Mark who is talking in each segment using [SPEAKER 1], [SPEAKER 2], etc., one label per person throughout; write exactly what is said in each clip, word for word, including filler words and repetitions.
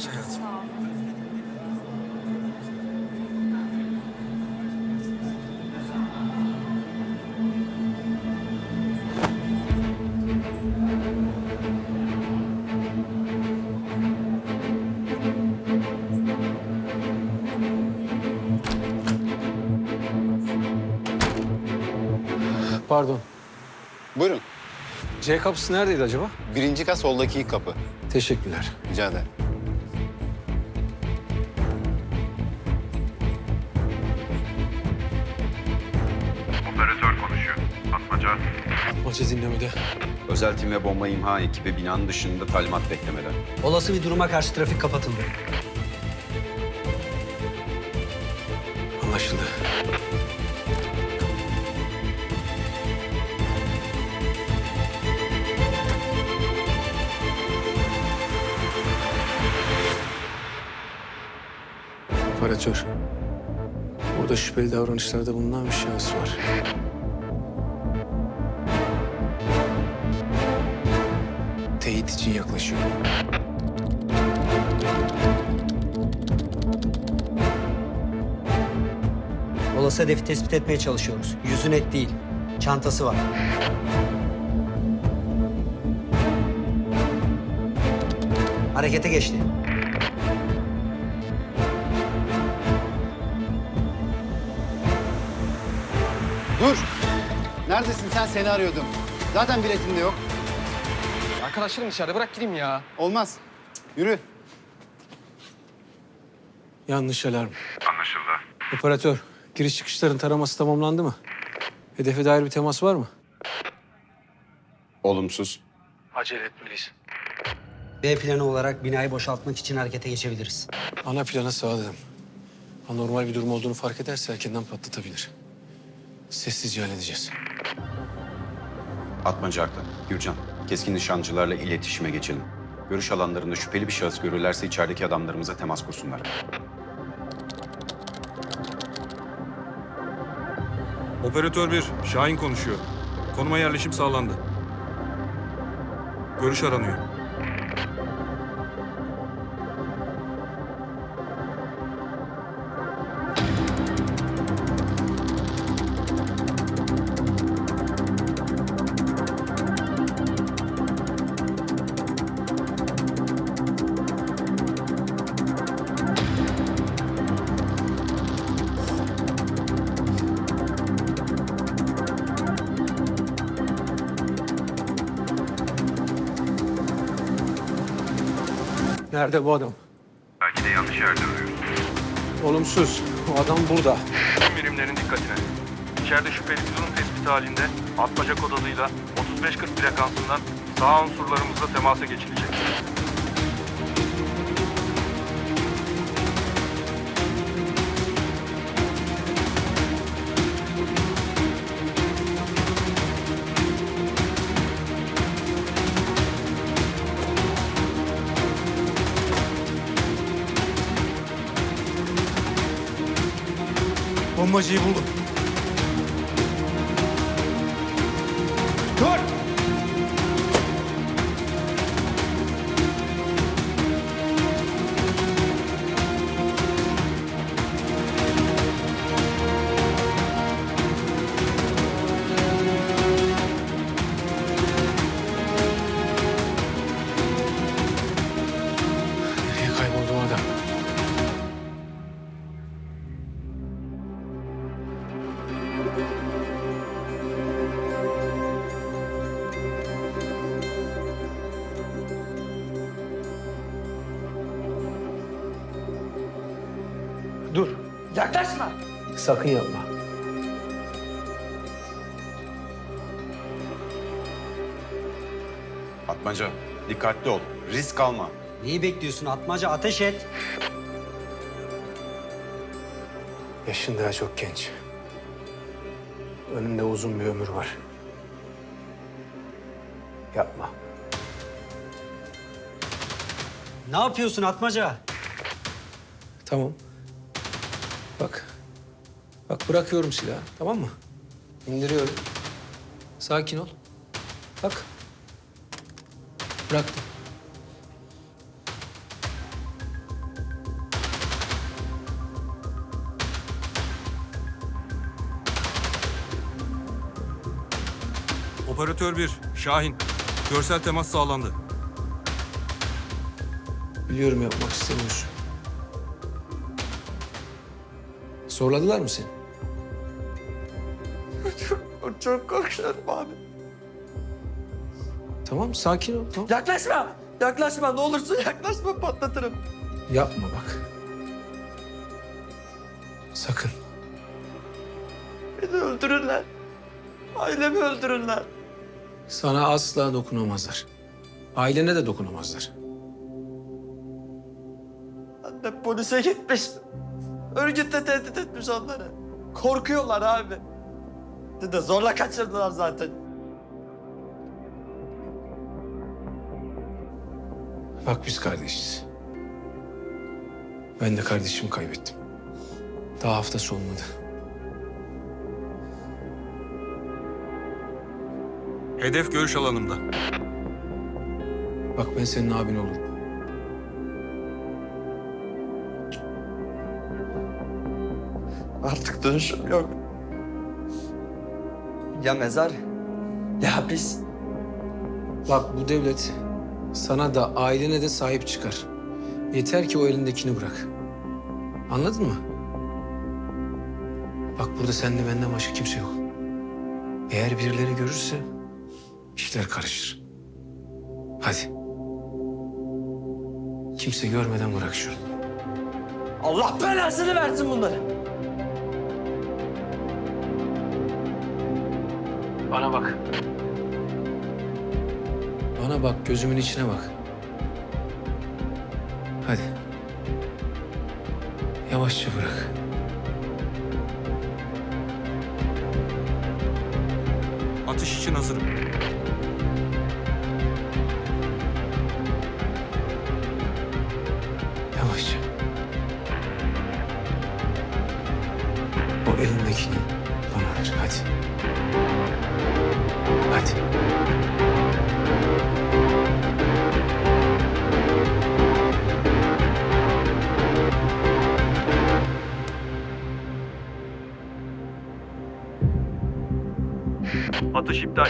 [SPEAKER 1] Geç hayatım.
[SPEAKER 2] Sağ ol.
[SPEAKER 1] Pardon.
[SPEAKER 3] Buyurun.
[SPEAKER 1] C kapısı neredeydi acaba?
[SPEAKER 3] Birinci kat soldaki ilk kapı.
[SPEAKER 1] Teşekkürler.
[SPEAKER 3] Rica ederim.
[SPEAKER 4] Operatör konuşuyor. Atmaca.
[SPEAKER 1] Atmaca dinlemede.
[SPEAKER 5] Özel tim ve bomba imha ekibi binanın dışında talimat beklemede.
[SPEAKER 6] Olası bir duruma karşı trafik kapatıldı.
[SPEAKER 1] Anlaşıldı. Operatör. Burada şüpheli davranışlarda bulunan bir şahıs var. Teyit için yaklaşıyor.
[SPEAKER 6] Olası hedefi tespit etmeye çalışıyoruz. Yüzü net değil. Çantası var. Harekete geçti.
[SPEAKER 3] Dur! Neredesin sen? Seni arıyordum. Zaten biletim de yok.
[SPEAKER 7] Arkadaşlarım içeride, bırak gideyim ya.
[SPEAKER 3] Olmaz. Cık, yürü.
[SPEAKER 1] Yanlış alarm.
[SPEAKER 4] Anlaşıldı.
[SPEAKER 1] Operatör, giriş çıkışların taraması tamamlandı mı? Hedefe dair bir temas var mı?
[SPEAKER 5] Olumsuz.
[SPEAKER 1] Acele etmeliyiz.
[SPEAKER 6] B planı olarak binayı boşaltmak için harekete geçebiliriz.
[SPEAKER 1] Ana plana sağladım. Anormal bir durum olduğunu fark ederse erkenden patlatabilir. Sessizce halledeceğiz.
[SPEAKER 5] Atmaca haklı. Gürcan, keskin nişancılarla iletişime geçelim. Görüş alanlarında şüpheli bir şahıs görürlerse içerideki adamlarımıza temas kursunlar.
[SPEAKER 8] Operatör bir, Şahin konuşuyor. Konuma yerleşim sağlandı. Görüş aranıyor.
[SPEAKER 1] Nerede bu adam?
[SPEAKER 4] Belki de yanlış yerde arıyoruz.
[SPEAKER 1] Olumsuz. O adam burada.
[SPEAKER 8] Tüm birimlerin dikkatine. İçeride şüpheli bir durum tespiti halinde Atmaca kod adıyla otuz beş kırk frekansından sağ unsurlarımızla temasa geçilecek.
[SPEAKER 1] Bombacıyı buldum. Dur! Nereye kayboldu o adam? Dur.
[SPEAKER 7] Yaklaşma.
[SPEAKER 1] Sakın yapma.
[SPEAKER 5] Atmaca, dikkatli ol. Risk alma.
[SPEAKER 6] Neyi bekliyorsun Atmaca? Ateş et.
[SPEAKER 1] Yaşın daha çok genç. Önünde uzun bir ömür var. Yapma.
[SPEAKER 6] Ne yapıyorsun Atmaca?
[SPEAKER 1] Tamam. Bak. Bak bırakıyorum silahı, tamam mı? İndiriyorum. Sakin ol. Bak. Bıraktım.
[SPEAKER 8] Operatör bir, Şahin. Görsel temas sağlandı.
[SPEAKER 1] Biliyorum yapmak istemiyorsun. Zorladılar mı seni?
[SPEAKER 7] Çok, çok korkuyorum abi.
[SPEAKER 1] Tamam sakin ol. Tamam.
[SPEAKER 7] Yaklaşma. Yaklaşma. Ne olursun yaklaşma, patlatırım.
[SPEAKER 1] Yapma bak. Sakın.
[SPEAKER 7] Beni öldürürler. Ailemi öldürürler.
[SPEAKER 1] Sana asla dokunamazlar. Ailene de dokunamazlar.
[SPEAKER 7] Annem polise gitmiş. Örgütle tehdit etmiş onları. Korkuyorlar abi. Dede zorla kaçırdılar zaten.
[SPEAKER 1] Bak biz kardeşiz. Ben de kardeşimi kaybettim. Daha haftası olmadı.
[SPEAKER 8] Hedef görüş alanımda.
[SPEAKER 1] Bak ben senin abin olurum.
[SPEAKER 7] Artık dönüşüm yok. Ya mezar ya hapis.
[SPEAKER 1] Bak bu devlet sana da ailene de sahip çıkar. Yeter ki o elindekini bırak. Anladın mı? Bak burada sende benden başka kimse yok. Eğer birileri görürse işler karışır. Hadi. Kimse görmeden bırak şunu.
[SPEAKER 7] Allah belasını versin bunları.
[SPEAKER 1] Bana bak. Bana bak, gözümün içine bak. Hadi. Yavaşça bırak.
[SPEAKER 8] Atış için hazırım.
[SPEAKER 1] Yavaşça. O elindekini bana ver, hadi. Hadi.
[SPEAKER 8] Atış iptal.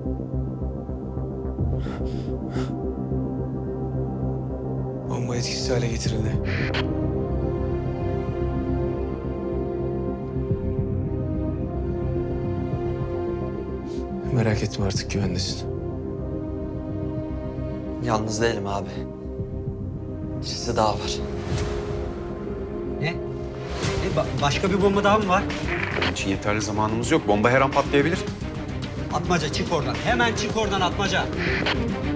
[SPEAKER 1] Bomba etkisiz hale getirildi. Merak etme artık güvendesin.
[SPEAKER 7] Yalnız değilim abi. Birisi daha var.
[SPEAKER 6] Ne? Ne? Ba- başka bir bomba daha mı var?
[SPEAKER 5] Bunun için yeterli zamanımız yok. Bomba her an patlayabilir.
[SPEAKER 6] Atmaca çık oradan. Hemen çık oradan Atmaca.